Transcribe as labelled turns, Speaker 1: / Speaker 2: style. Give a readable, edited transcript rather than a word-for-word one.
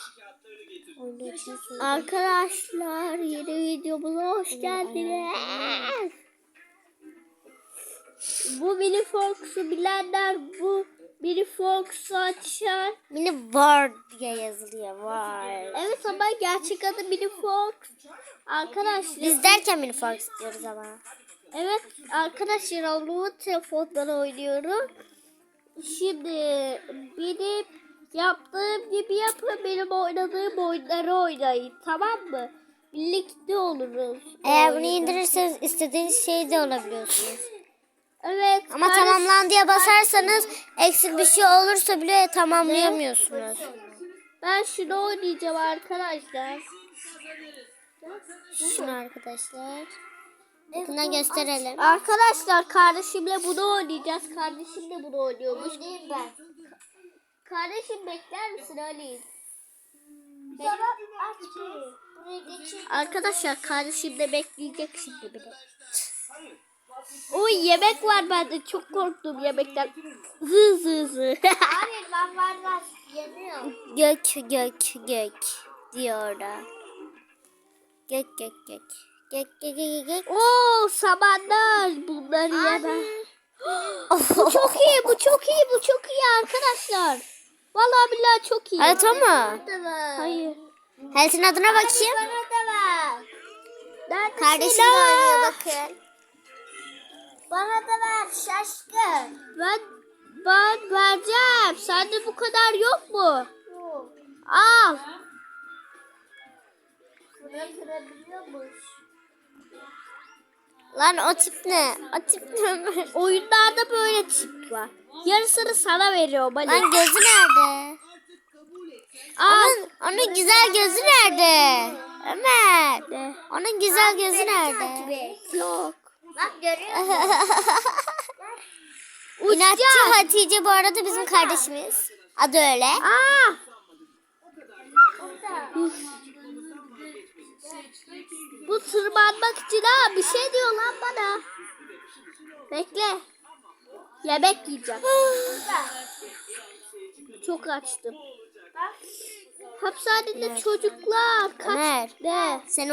Speaker 1: Arkadaşlar yeni videomuza hoş geldiniz. Bu Mini Fox'u bilenler bu Mini Fox'u açar.
Speaker 2: Mini War diye yazılıyor. War.
Speaker 1: Evet ama gerçek adı Mini Fox. Arkadaşlar.
Speaker 2: Biz derken Mini Fox diyoruz ama.
Speaker 1: Evet arkadaşlar oğlumun telefondan oynuyorum. Şimdi benim yaptığım gibi yapın, benim oynadığım oyunları oynayın, tamam mı? Birlikte oluruz.
Speaker 2: Eğer bunu indirirseniz istediğiniz şey de olabiliyorsunuz.
Speaker 1: Evet.
Speaker 2: Ama tamamlan diye basarsanız eksik bir şey olursa bile tamamlayamıyorsunuz.
Speaker 1: Ben şunu oynayacağım arkadaşlar.
Speaker 2: Şunu arkadaşlar. Buna gösterelim.
Speaker 1: Arkadaşlar kardeşimle bunu oynayacağız. Kardeşim de bunu oynuyormuş.
Speaker 2: Ben.
Speaker 1: Kardeşim bekler misin Ali?
Speaker 2: Aç.
Speaker 1: Arkadaşlar kardeşim de bekleyecek şimdi bile. Oy yemek var, bende çok korktum yemekten. Zı zı zı.
Speaker 2: Hayır ben var. Yemiyorum. Gök diyor orada. Gök. Gök.
Speaker 1: Oo samanlar, bunları yemem. Bu çok iyi, bu çok iyi arkadaşlar. Vallahi billahi çok iyi.
Speaker 2: Evet ama.
Speaker 1: Hayır.
Speaker 2: Helsin adına bakayım. Kardeşim de oynuyor bakın. Bana da ver şaşkın.
Speaker 1: Ben vereceğim. Sende bu kadar yok mu?
Speaker 2: Yok.
Speaker 1: Al.
Speaker 2: Kırabiliyormuş. Lan o tip ne? O tip ne?
Speaker 1: Oyunlarda böyle tip var. Yarısını sana veriyorum Ali.
Speaker 2: Lan gözü nerede?
Speaker 1: Al.
Speaker 2: Onun güzel gözü nerede? Ömer. Onun güzel gözü nerede?
Speaker 1: Yok.
Speaker 2: Bak görüyor musun? İnatçı Hatice bu arada bizim kardeşimiz. Adı öyle.
Speaker 1: Aa. Bu tırmanmak için ha bir şey diyor lan bana. Bekle. Yemek yiyeceğim. Çok açtım. Hapishanede çocuklar kaç.
Speaker 2: Ömer.
Speaker 1: Ne?
Speaker 2: Sen